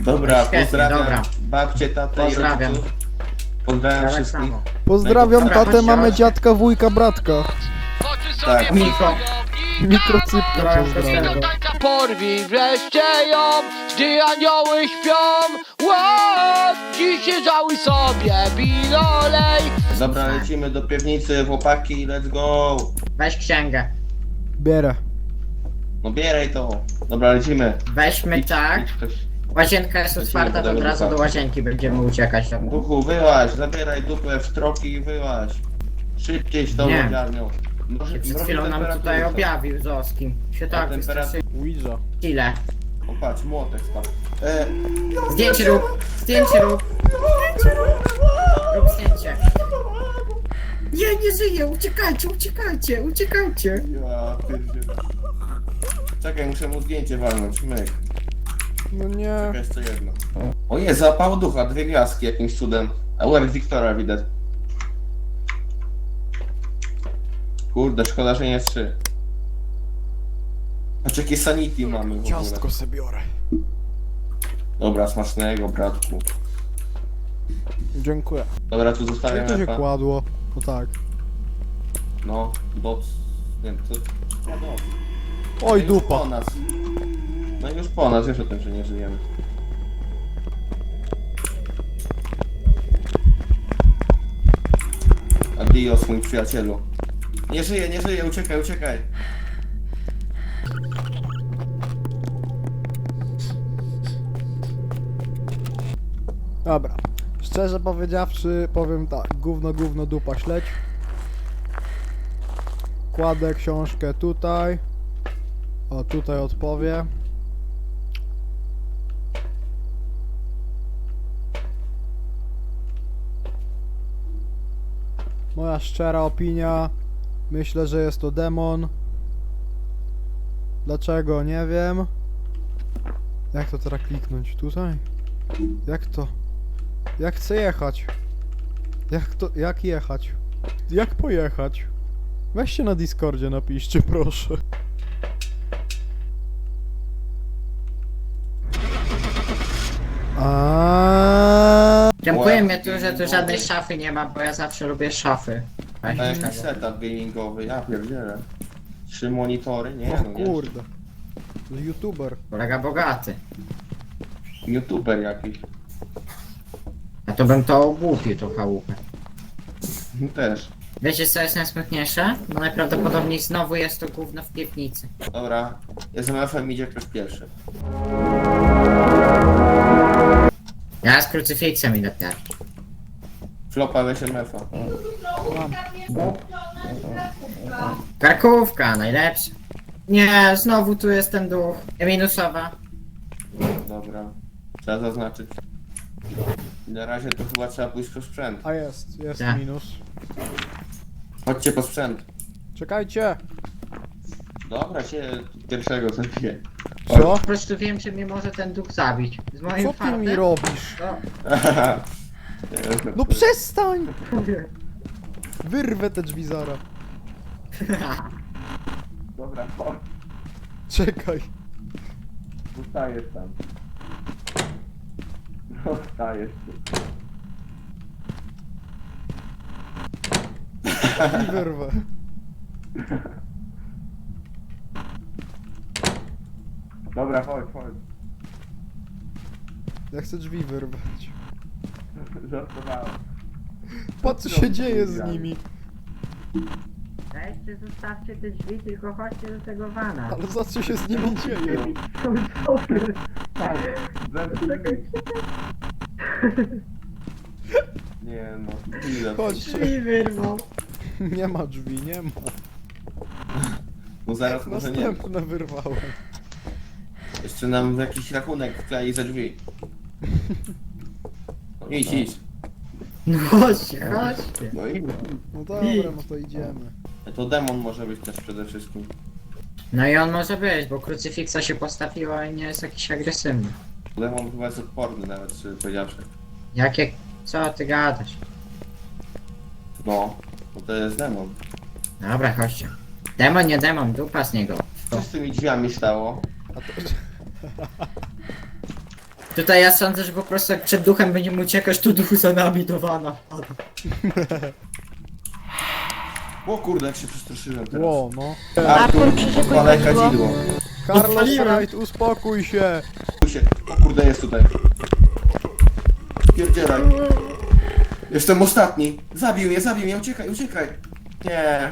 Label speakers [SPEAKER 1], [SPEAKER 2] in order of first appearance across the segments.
[SPEAKER 1] Dobra,
[SPEAKER 2] Świetnie,
[SPEAKER 1] pozdrawiam
[SPEAKER 2] dobra.
[SPEAKER 1] babcię, tatę
[SPEAKER 2] Pozdrawiam.
[SPEAKER 1] i rodziców. Pozdrawiam
[SPEAKER 2] Tak
[SPEAKER 1] wszystkich.
[SPEAKER 2] samo.
[SPEAKER 3] Pozdrawiam
[SPEAKER 1] Dobra,
[SPEAKER 3] tatę,
[SPEAKER 2] chodźcie,
[SPEAKER 3] mamy
[SPEAKER 2] chodźcie.
[SPEAKER 3] dziadka, wujka, bratka.
[SPEAKER 1] Tak.
[SPEAKER 2] Mikro.
[SPEAKER 3] Mikrocypka
[SPEAKER 2] Dobra,
[SPEAKER 3] pozdrawiam.
[SPEAKER 2] pozdrawiam.
[SPEAKER 4] Porwij wreszcie ją, gdy anioły śpią. Dzisiaj żałuj sobie, bilolej.
[SPEAKER 1] Dobra, lecimy do piwnicy, chłopaki, let's go.
[SPEAKER 2] Weź księgę.
[SPEAKER 3] Bierę.
[SPEAKER 1] No bieraj to. Dobra, lecimy.
[SPEAKER 2] Weźmy tak.
[SPEAKER 1] Idź ktoś.
[SPEAKER 2] Łazienka jest
[SPEAKER 1] Lecimy
[SPEAKER 2] otwarta, to
[SPEAKER 1] do
[SPEAKER 2] od razu
[SPEAKER 1] ducha.
[SPEAKER 2] do łazienki będziemy uciekać.
[SPEAKER 1] Duchu, wyłaź, zabieraj dupę w stroki i wyłaź. Szybciej z tą
[SPEAKER 2] Nie.
[SPEAKER 1] lodziarnią.
[SPEAKER 2] Przed chwilą nam tutaj objawił Zoskim. Się tak
[SPEAKER 1] temperatura.
[SPEAKER 3] Ouija.
[SPEAKER 2] Ile?
[SPEAKER 1] O patrz, młotek spadł.
[SPEAKER 2] Zdjęcie rób! Zdjęcie rób! Rób zdjęcie. Nie żyje! Uciekajcie, uciekajcie, uciekajcie!
[SPEAKER 1] Ja pierdzielę. Czekaj, muszę mu zdjęcie walnąć, myk.
[SPEAKER 3] No nie.
[SPEAKER 1] Czekaj, jeszcze jedno. O jest, zapał ducha, 2 gwiazdki jakimś cudem. A łeb Wiktora widać. Kurde, szkoda, że nie 3. Patrz jakie sanity mamy w ogóle.
[SPEAKER 3] Ciastko se biorę.
[SPEAKER 1] Dobra, smacznego, bratku.
[SPEAKER 3] Dziękuję.
[SPEAKER 1] Dobra, tu zostawiam
[SPEAKER 3] Jak to się
[SPEAKER 1] epa.
[SPEAKER 3] kładło? No tak.
[SPEAKER 1] No, doc. Nie wiem, co... No, doc.
[SPEAKER 3] Oj,
[SPEAKER 1] No już po
[SPEAKER 3] dupa.
[SPEAKER 1] nas. No i już po nas, wiesz o tym, że nie żyjemy. Adios, mój przyjacielu. Nie żyje, nie żyje, uciekaj, uciekaj.
[SPEAKER 3] Dobra. Szczerze powiedziawszy, powiem tak. Gówno, gówno, dupa, śledź. Kładę książkę tutaj. O, tutaj odpowie. Moja szczera opinia. Myślę, że jest to demon. Dlaczego? Nie wiem. Jak to teraz kliknąć? Tutaj? Jak to? Jak chcę jechać? Jak to? Jak jechać? Jak pojechać? Weźcie na Discordzie napiszcie, proszę.
[SPEAKER 2] Dziękuję mnie tu, że tu żadnej szafy nie ma, bo ja zawsze lubię szafy.
[SPEAKER 1] A jakiś setup gamingowy, ja pierdzielę. 3 monitory? Nie,
[SPEAKER 3] O
[SPEAKER 1] no nie.
[SPEAKER 3] kurde. YouTuber.
[SPEAKER 2] Kolega bogaty.
[SPEAKER 1] YouTuber jakiś.
[SPEAKER 2] A to bym to ogłupił, tą chałupę.
[SPEAKER 1] Też.
[SPEAKER 2] Wiecie co jest najsmutniejsze? No najprawdopodobniej znowu jest to gówno w piwnicy.
[SPEAKER 1] Dobra, SMF-em idzie ktoś pierwszy.
[SPEAKER 2] Ja z krucyfiksem idę pierwszy.
[SPEAKER 1] Flopa w SMF-a.
[SPEAKER 2] Karkówka, najlepsza. Nie, znowu tu jest ten duch. Minusowa.
[SPEAKER 1] Dobra, trzeba zaznaczyć. Na razie to chyba trzeba pójść po sprzęt.
[SPEAKER 3] A jest
[SPEAKER 2] Tak.
[SPEAKER 3] minus.
[SPEAKER 1] Chodźcie po sprzęt.
[SPEAKER 3] Czekajcie.
[SPEAKER 1] Dobra, cię pierwszego zabiję.
[SPEAKER 3] Co?
[SPEAKER 2] Po prostu wiem, że mnie może ten duch zabić. Z moim
[SPEAKER 3] Co ty
[SPEAKER 2] fartem.
[SPEAKER 3] mi robisz?
[SPEAKER 2] To...
[SPEAKER 3] No przestań! Wyrwę te drzwi zara.
[SPEAKER 1] Dobra, chodź,
[SPEAKER 3] Czekaj.
[SPEAKER 1] zostajesz tam. Zostajesz tu.
[SPEAKER 3] I wyrwę.
[SPEAKER 1] Dobra, chodź, chodź.
[SPEAKER 3] Ja chcę drzwi wyrwać.
[SPEAKER 1] Żartowałem.
[SPEAKER 3] Patrz co się dzieje z nimi.
[SPEAKER 2] Weźcie, zostawcie te drzwi, tylko chodźcie do tego wana.
[SPEAKER 3] Ale za co się z nimi dzieje?
[SPEAKER 1] Tak, nie no, chwilę.
[SPEAKER 3] Chodźcie.
[SPEAKER 2] Drzwi wyrwał.
[SPEAKER 3] Nie ma drzwi, nie ma.
[SPEAKER 1] No zaraz może nie.
[SPEAKER 3] Następne wyrwałem.
[SPEAKER 1] Jeszcze nam jakiś rachunek wklei za drzwi. No idź, idź.
[SPEAKER 2] No chodźcie, chodźcie.
[SPEAKER 1] No i
[SPEAKER 3] No dobra, no to idziemy.
[SPEAKER 1] to demon może być też przede wszystkim.
[SPEAKER 2] No i on może być, bo krucyfiksa się postawiła i nie jest jakiś agresywny.
[SPEAKER 1] Demon chyba jest odporny nawet, szczerze powiedziawszy.
[SPEAKER 2] Jakie... Co ty gadasz?
[SPEAKER 1] No, bo to jest demon.
[SPEAKER 2] Dobra, chodźcie. Demon, nie demon, dupa z niego.
[SPEAKER 1] Co z tymi drzwiami stało?
[SPEAKER 3] A to...
[SPEAKER 2] Tutaj ja sądzę, że po prostu jak przed duchem będziemy uciekać, to duch za nami do wana.
[SPEAKER 1] O kurde, jak się przestraszyłem teraz.
[SPEAKER 3] Ło, no.
[SPEAKER 1] Artur, odpalaj
[SPEAKER 5] chodziło.
[SPEAKER 1] kadzidło.
[SPEAKER 3] Carlos
[SPEAKER 2] Odpaliłem.
[SPEAKER 3] Wright, uspokój się!
[SPEAKER 1] O kurde, jest tutaj. Pierdzielaj. Jestem ostatni. Zabił mnie, uciekaj, uciekaj. Nie.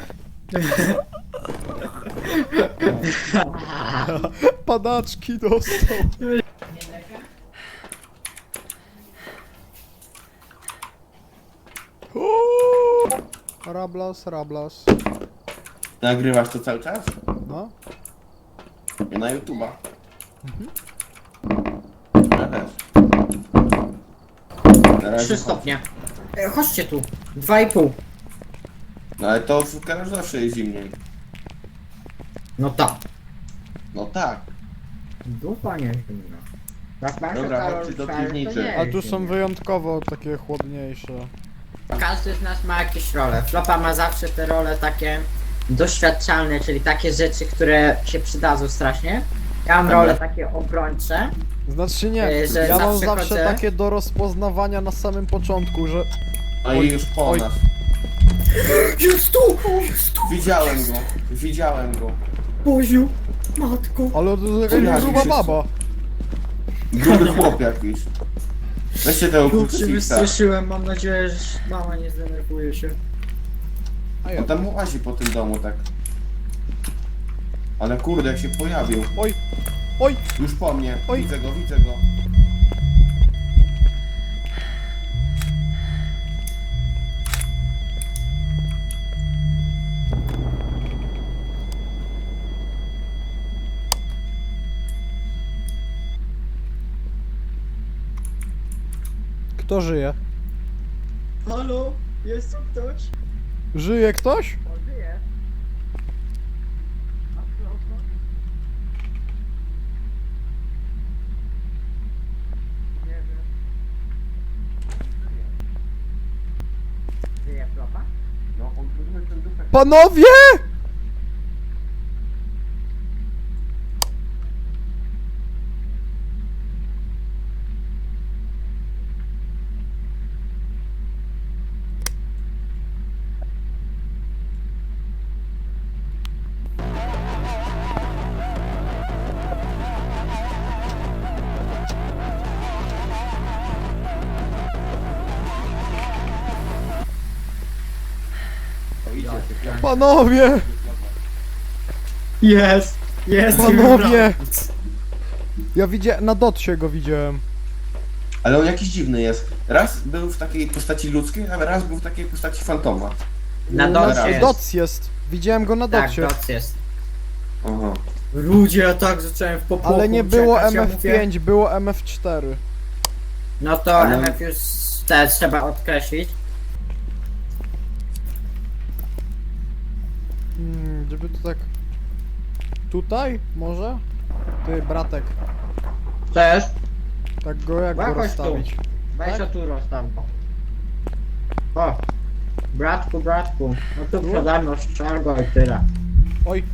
[SPEAKER 3] Padaczki dostał. Rablas, rablas.
[SPEAKER 1] Nagrywasz to cały czas?
[SPEAKER 3] No.
[SPEAKER 1] Nie na YouTube'a. Ja też. Na razie
[SPEAKER 2] 3 stopnie. Chodźcie tu. 2,5.
[SPEAKER 1] No ale to w Karol zawsze jest zimniej.
[SPEAKER 2] No tak.
[SPEAKER 1] No tak.
[SPEAKER 2] Dupa nie zimna. Jak masz
[SPEAKER 1] Dobra,
[SPEAKER 2] Karol
[SPEAKER 1] chodźcie do
[SPEAKER 2] Szary, to
[SPEAKER 1] piwnicy.
[SPEAKER 2] nie
[SPEAKER 3] A
[SPEAKER 2] jest
[SPEAKER 3] tu są
[SPEAKER 2] zimno.
[SPEAKER 3] wyjątkowo takie chłodniejsze.
[SPEAKER 2] Każdy z nas ma jakieś role. Flopa ma zawsze te role takie doświadczalne, czyli takie rzeczy, które się przydadzą strasznie. Ja mam
[SPEAKER 1] Dobra.
[SPEAKER 2] role takie obrończe.
[SPEAKER 3] Znaczy nie,
[SPEAKER 2] Że
[SPEAKER 3] ja mam
[SPEAKER 2] zawsze
[SPEAKER 3] zawsze
[SPEAKER 2] chodzę-
[SPEAKER 3] takie do rozpoznawania na samym początku, że...
[SPEAKER 1] No i już po
[SPEAKER 3] oj.
[SPEAKER 1] nas.
[SPEAKER 2] Jest tu! Jest tu!
[SPEAKER 1] Widziałem go.
[SPEAKER 2] Boziu! Matko!
[SPEAKER 3] Ale to jest
[SPEAKER 1] Co
[SPEAKER 3] jakaś
[SPEAKER 1] ja
[SPEAKER 3] gruba
[SPEAKER 1] się-
[SPEAKER 3] baba.
[SPEAKER 1] Gruby chłop jakiś. Weźcie tego
[SPEAKER 2] Tu się
[SPEAKER 1] krucyfiksa.
[SPEAKER 2] wystraszyłem, mam nadzieję, że mama nie zdenerwuje się.
[SPEAKER 3] A
[SPEAKER 1] On
[SPEAKER 3] ja.
[SPEAKER 1] tam łazi po tym domu tak. Ale kurde, jak się pojawił.
[SPEAKER 3] Oj, oj,
[SPEAKER 1] Już po mnie.
[SPEAKER 3] Oj.
[SPEAKER 1] Widzę go.
[SPEAKER 3] kto żyje?
[SPEAKER 2] Halo? Jest tu ktoś?
[SPEAKER 3] Żyje ktoś?
[SPEAKER 2] On żyje. A Flopa? Nie wiem. Żyje Flopa?
[SPEAKER 1] No, on zrobił ten dupek.
[SPEAKER 3] Panowie!
[SPEAKER 1] O, idzie.
[SPEAKER 3] Panowie!
[SPEAKER 2] Jest! Jest!
[SPEAKER 3] Panowie! Ja widziałem, na dotsie go widziałem.
[SPEAKER 1] Ale on jakiś dziwny jest. Raz był w takiej postaci ludzkiej, a raz był w takiej postaci fantoma.
[SPEAKER 2] Na
[SPEAKER 1] Dobra.
[SPEAKER 2] docie jest.
[SPEAKER 3] Doc jest. Widziałem go na
[SPEAKER 2] Tak,
[SPEAKER 3] docie.
[SPEAKER 2] doc jest.
[SPEAKER 1] Aha.
[SPEAKER 2] Ludzie, ja tak zacząłem w popłochu
[SPEAKER 3] Ale nie było
[SPEAKER 2] uciekać, ja
[SPEAKER 3] MF5,
[SPEAKER 2] mówię,
[SPEAKER 3] było MF4.
[SPEAKER 2] no to
[SPEAKER 1] Ale-
[SPEAKER 2] MF już te trzeba odkreślić.
[SPEAKER 3] Żeby to tak... Tutaj? Może? Ty, bratek.
[SPEAKER 2] Też?
[SPEAKER 3] Tak go jak go
[SPEAKER 2] Jakoś tu.
[SPEAKER 3] rozstawić?
[SPEAKER 2] Weź
[SPEAKER 3] Tak?
[SPEAKER 2] o tu rozstaw go. O! Bratku. No tu
[SPEAKER 3] Tu?
[SPEAKER 2] przede mną strzel go i tyle.
[SPEAKER 3] Oj.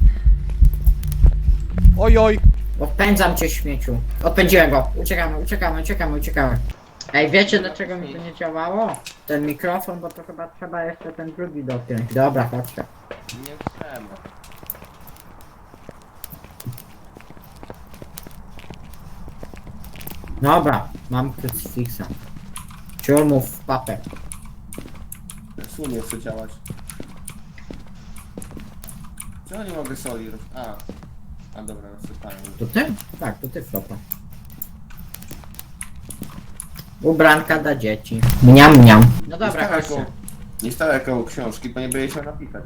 [SPEAKER 3] Oj, oj.
[SPEAKER 2] Odpędzam cię, śmieciu. Odpędziłem go. Uciekamy. Ej, wiecie dlaczego mi to nie działało? Ten mikrofon, bo to chyba trzeba jeszcze ten drugi dopiąć. Dobra, chodźcie.
[SPEAKER 1] Nie trzeba.
[SPEAKER 2] Dobra, mam krucyfiksa. Ciurmów w papę.
[SPEAKER 1] Sumie chce działać. Czemu nie mogę soli roz... A dobra, rozsypałem.
[SPEAKER 2] To ty? Tak, to ty, Flopa. Ubranka dla dzieci. Mniam. No dobra, chodźcie.
[SPEAKER 1] Nie stałe koło książki, bo nie będzie się napisać.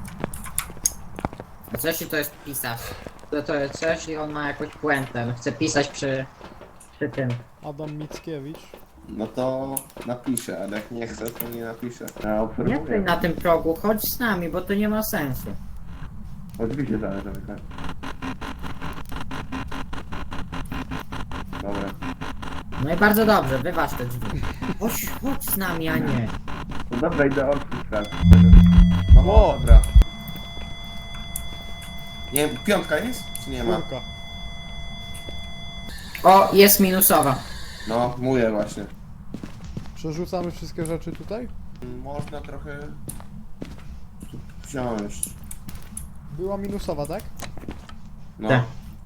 [SPEAKER 2] A co jeśli to jest pisarz? To jest coś i on ma jakąś puentę. On chce pisać przy tym.
[SPEAKER 3] Adam Mickiewicz.
[SPEAKER 1] No to napiszę, ale jak nie chcę, to nie napiszę. Ja
[SPEAKER 2] Nie
[SPEAKER 1] obserwuję.
[SPEAKER 2] stój na tym progu, chodź z nami, bo to nie ma sensu.
[SPEAKER 1] Oczywiście zależy, tak. Dobra.
[SPEAKER 2] No i bardzo dobrze, wyważ te drzwi. Chodź z nami, a nie.
[SPEAKER 1] No dobra, idę orkiestra. No
[SPEAKER 3] O!
[SPEAKER 1] dobra. Nie wiem, piątka jest? Czy nie ma?
[SPEAKER 3] Kurka.
[SPEAKER 2] O, jest minusowa.
[SPEAKER 1] No, mówię właśnie.
[SPEAKER 3] Przerzucamy wszystkie rzeczy tutaj?
[SPEAKER 1] Można trochę wziąć.
[SPEAKER 3] Była minusowa, tak?
[SPEAKER 1] No.
[SPEAKER 2] Tak.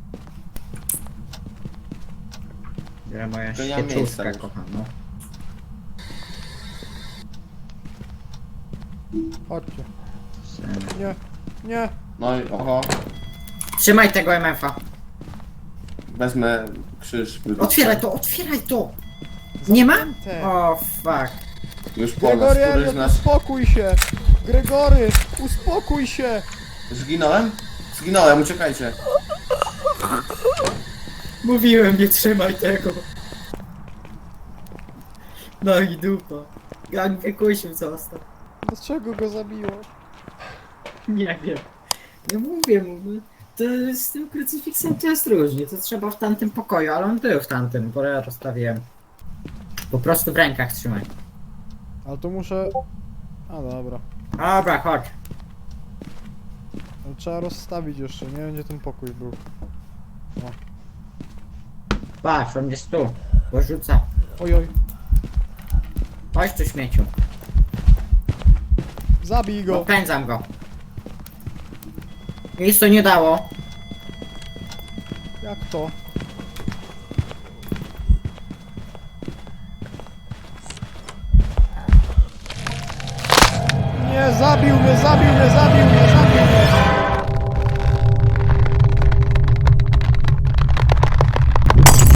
[SPEAKER 2] Ja moja
[SPEAKER 1] To ja miejsca
[SPEAKER 2] świeczówka,
[SPEAKER 1] już.
[SPEAKER 2] kochano.
[SPEAKER 3] Chodźcie. Nie, nie.
[SPEAKER 1] No i oho,
[SPEAKER 2] Trzymaj tego MF-a.
[SPEAKER 1] wezmę krzyż.
[SPEAKER 2] Otwieraj to, otwieraj to! Nie ma?
[SPEAKER 3] Zamknięte.
[SPEAKER 2] O, fuck.
[SPEAKER 1] Już po nas,
[SPEAKER 3] Gregory,
[SPEAKER 1] któryś z
[SPEAKER 3] Elliot,
[SPEAKER 1] nas...
[SPEAKER 3] uspokój się! Gregory, uspokój się!
[SPEAKER 1] Zginąłem? Zginąłem, uciekajcie.
[SPEAKER 2] Mówiłem, nie trzymaj tego. No i dupa. Gang wykusił został.
[SPEAKER 3] Dlaczego go zabiło?
[SPEAKER 2] Nie wiem. No mówię, to z tym krucyfiksem to jest różnie. To trzeba w tamtym pokoju, ale on był w tamtym, bo ja rozstawiłem. Po prostu w rękach trzymaj.
[SPEAKER 3] Ale to muszę... A dobra.
[SPEAKER 2] Dobra, chodź.
[SPEAKER 3] Ale trzeba rozstawić jeszcze, nie wiem gdzie ten pokój był.
[SPEAKER 2] Patrz, on jest tu. Bo rzuca.
[SPEAKER 3] Ojoj,
[SPEAKER 2] Chodź tu, śmieciu.
[SPEAKER 3] zabij go!
[SPEAKER 2] Odpędzam go. Nic to nie dało.
[SPEAKER 3] Jak to? Nie, zabił mnie, zabił mnie, zabił mnie, zabił mnie!